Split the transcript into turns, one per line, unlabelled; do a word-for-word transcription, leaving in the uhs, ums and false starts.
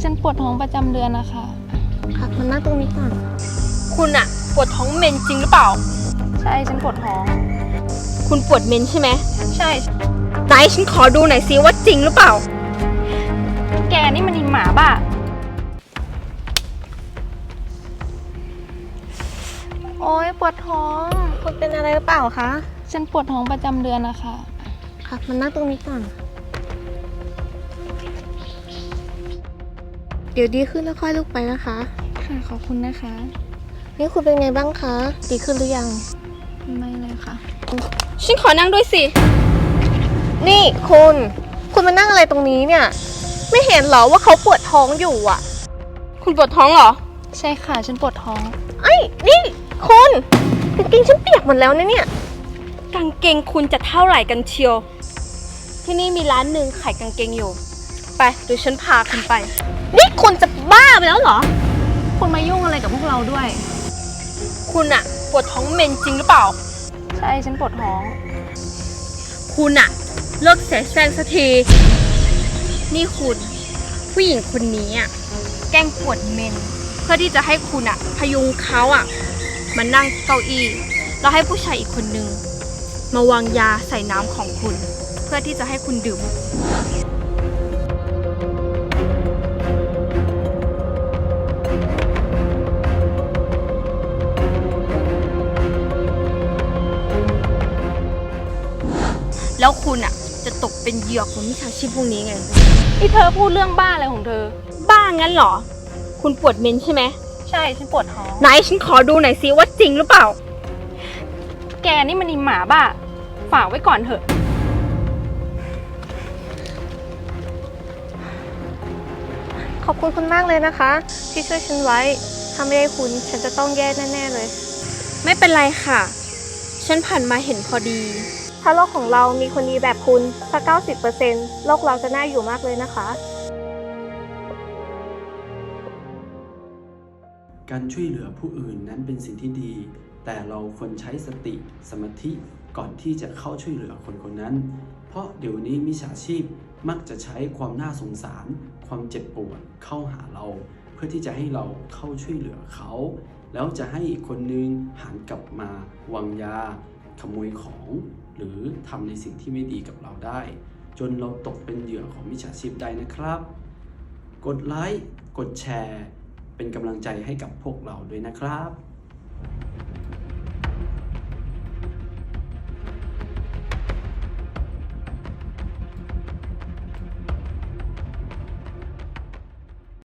ฉันปวดท้องประจำเดือนนะคะ
ค่ะมานั่งตรงนี้ก่อน
คุณอะปวดท้องเมนจริงหรือเปล่า
ใช่ฉันปวดท้อง
คุณปวดเมนใช่ไหม
ใช่
ไหนฉันขอดูหน่อยซิว่าจริงหรือเปล่า
แกนี่มันอีหมาบ้าโอ๊ยปวดท้อง
คุณเป็นอะไรหรือเปล่าคะ
ฉันปวดท้องประจำเดือนนะคะ
ค่ะมานั่งตรงนี้ก่อนเดี๋ยวดีขึ้นแล้วค่อยลุกไปนะคะ
ค่ะขอบคุณนะคะ
นี่คุณเป็นไงบ้างคะดีขึ้นหรือยัง
ไม่เลยค่ะ
ฉันขอนั่งด้วยสิ
นี่คุณคุณมานั่งอะไรตรงนี้เนี่ยไม่เห็นเหรอว่าเขาปวดท้องอยู่อ่ะ
คุณปวดท้องเหรอ
ใช่ค่ะฉันปวดท้อง
ไอ้นี่คุณกางเกงฉันเปียกหมดแล้วนะเนี่ย
กางเกงคุณจะเท่าไหร่กันเชียวที่นี่มีร้านหนึ่งขายกางเกงอยู่ไปเดี๋ยวฉันพาคุณไป
นี่คุณจะบ้าไปแล้วเหรอ
คุณมายุ่งอะไรกับพวกเราด้วย
คุณอะปวดท้องเมนจริงหรือเปล่า
ใช่ฉันปวดท้อง
คุณอะเลิกเสแสร้งสักทีนี่คุณผู้หญิงคนนี้อะแกล้งปวดเมนเพื่อที่จะให้คุณอะพยุงเขาอะมานั่งเก้าอี้แล้วให้ผู้ชายอีกคนนึงมาวางยาใส่น้ำของคุณเพื่อที่จะให้คุณดื่มแล้วคุณอ่ะจะตกเป็นเหยื่อของมิจฉาชีพพวกนี้ไง
ที่เธอพูดเรื่องบ้าอะไรของเธอ
บ้างั้นเหรอคุณปวดเมนใช่ไหม
ใช่ฉันปวดท้อง
ไหนฉันขอดูหน่อยซิว่าจริงหรือเปล่า
แกนี่มันอีหมาบ้าฝากไว้ก่อนเถอะ
ขอบคุณคุณมากเลยนะคะที่ช่วยฉันไว้ถ้าไม่ได้คุณฉันจะต้องแย่แน่ๆเลย
ไม่เป็นไรค่ะฉันผ่านมาเห็นพอดี
ถ้าโลกของเรามีคนดีแบบคุณสัก เก้าสิบเปอร์เซ็นต์ โลกเราจะน่าอยู่มากเลยนะคะ
การช่วยเหลือผู้อื่นนั้นเป็นสิ่งที่ดี แต่เราควรใช้สติสมาธิก่อนที่จะเข้าช่วยเหลือคนคนนั้นเพราะเดี๋ยวนี้มิจฉาชีพมักจะใช้ความน่าสงสารความเจ็บปวดเข้าหาเราเพื่อที่จะให้เราเข้าช่วยเหลือเขาแล้วจะให้อีกคนนึงหันกลับมาวางยาขโมยของหรือทำในสิ่งที่ไม่ดีกับเราได้จนเราตกเป็นเหยื่อของมิจฉาชีพได้นะครับกดไลค์กดแชร์เป็นกำลังใจให้กับพวกเราด้วยนะครับ